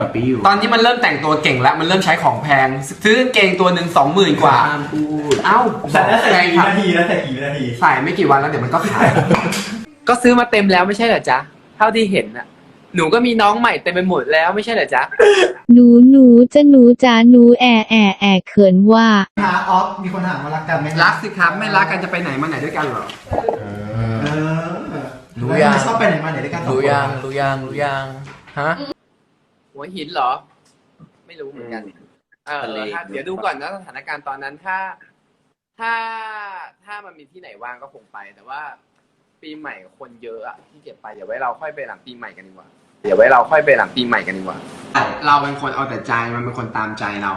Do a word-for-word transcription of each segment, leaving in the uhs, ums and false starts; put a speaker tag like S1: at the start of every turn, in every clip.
S1: กับปีอยู่
S2: ตอนนี้มันเริ่มแต่งตัวเก่งแล้วมันเริ่มใช้ของแพงซื้อกางเกงตัวหนึ่งสองหมื่นกว่า
S1: ห้ามพูด
S2: เอ้า
S3: แต่แล้วใส่กี่นาทีแล้วใส่กี่นาที
S2: ใส่ไม่กี่วันแล้วเดี๋ยวมันก็ขาย
S4: ก็ซื้อมาเต็มแล้วไม่ใช่เหรอจ๊ะเท่าที่เห็นน่ะหนูก็มีน้องใหม่เต็มไปหมดแล้วไม่ใช่เหรอจ๊ะ
S5: หนูหนูจะหนูจ๋าหนูแอแอแอเขินว่า
S3: หาออฟมีคนถามว่ารักกันไหม
S2: รักสิครับไม่รักกันจะไปไหนมาไหนด้วยกันเหรอ
S3: เออรู้ยังชอบไปไหนมาไหนด้วยกัน
S1: รู้ยังรู้ยังรู้ยังฮะ
S4: หัวหินเหรอไม่รู้เหมือนกันเออเดี๋ยวดูก่อนนะสถานการณ์ตอนนั้นถ้า ถ้าถ้ามันมีที่ไหนว่างก็คงไปแต่ว่าปีใหม่คนเยอะอะที่เก็บไปเดี๋ยวไว้เราค่อยไปหลังปีใหม่กันดีกว่าเดี๋ยวไว้เราค่อยไปหลังปีใหม่กันดีกว่า
S2: เราเป็นคนเอาแต่ใจมันเป็นคนตามใจเรา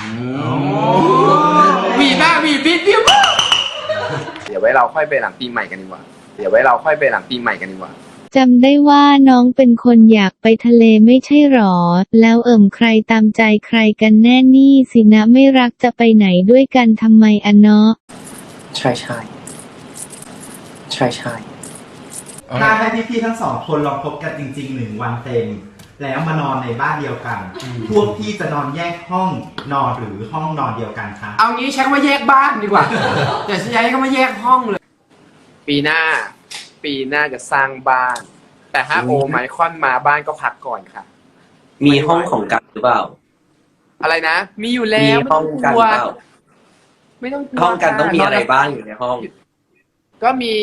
S2: วีบ้าวีบิดบิว
S4: เดี๋ยวไว้เราค่อยไปหลังปีใหม่กันดีกว่าเดี๋ยวไว้เราค่อยไปหลังปีใหม่กันดีกว่า
S5: จำได้ว่าน้องเป็นคนอยากไปทะเลไม่ใช่หรอแล้วเอิ่มใครตามใจใครกันแน่นี่สินะไม่รักจะไปไหนด้วยกันทำไมอะเนาะ
S1: ใช่ใช่ใช่ใช่
S3: ถ้าให้พี่ๆทั้งสองคนลองพบกันจริงๆหนึ่งวันเต็มแล้วมานอนในบ้านเดียวกันพวกพี่จะนอนแยกห้องนอนหรือห้องนอนเดียวกันคะ
S2: เอางี้ใช้คำว่าแยกบ้านดีกว่าอย่าใช้คำว่าแยกห้องเลย
S4: ปีหน้าปีหน้าจะสร้างบ้านแต่ถ้าโอไมคอนมาบ้านก็พักก่อนค่ะ
S1: มีห้องของกันหรือเปล่า
S4: อะไรนะมีอยู่แล้ว
S1: มีห้องกันเปล่า
S4: ไม่ต้อง
S1: ห้องกันต้องมีอะไรบ้างอยู่ในห้อง
S4: ก็มี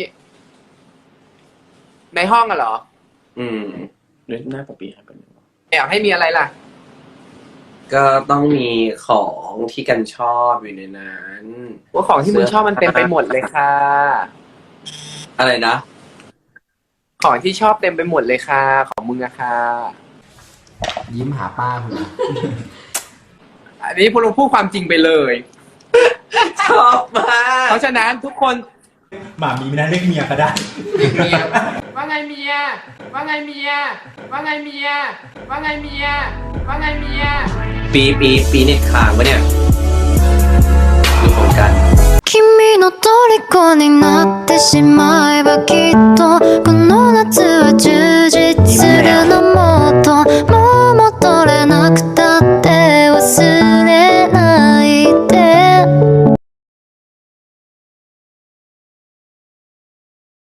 S4: ในห้องอะเหรอ
S1: อืมเรื่องหน้าปปีให้เป็น
S4: แอบให้มีอะไรล่ะ
S1: ก็ต้องมีของที่กันชอบอยู่ในนั้น
S4: ว่าของที่มึงชอบมันเต็มไปหมดเลยค่ะ
S1: อะไรนะ
S4: ของที่ชอบเต็มไปหมดเลยค่ะของมึงอะค่ะ
S2: ยิ้มหาป้าคุณ
S4: อันนี้พวกเราพูดความจริงไปเลย
S1: ชอบมาก
S4: เพราะฉะนั้นทุกคน
S3: หมามีไม่ได้เรียกเมียก็ได้
S2: เมียว่าไงเมียว่าไงเมียว่าไงเมียว่าไงเมียว่าไงเมีย
S1: ปีปีปีเน็ตค้างวะเนี่ยดูของกัน
S6: 君の虜になってしまえばきっ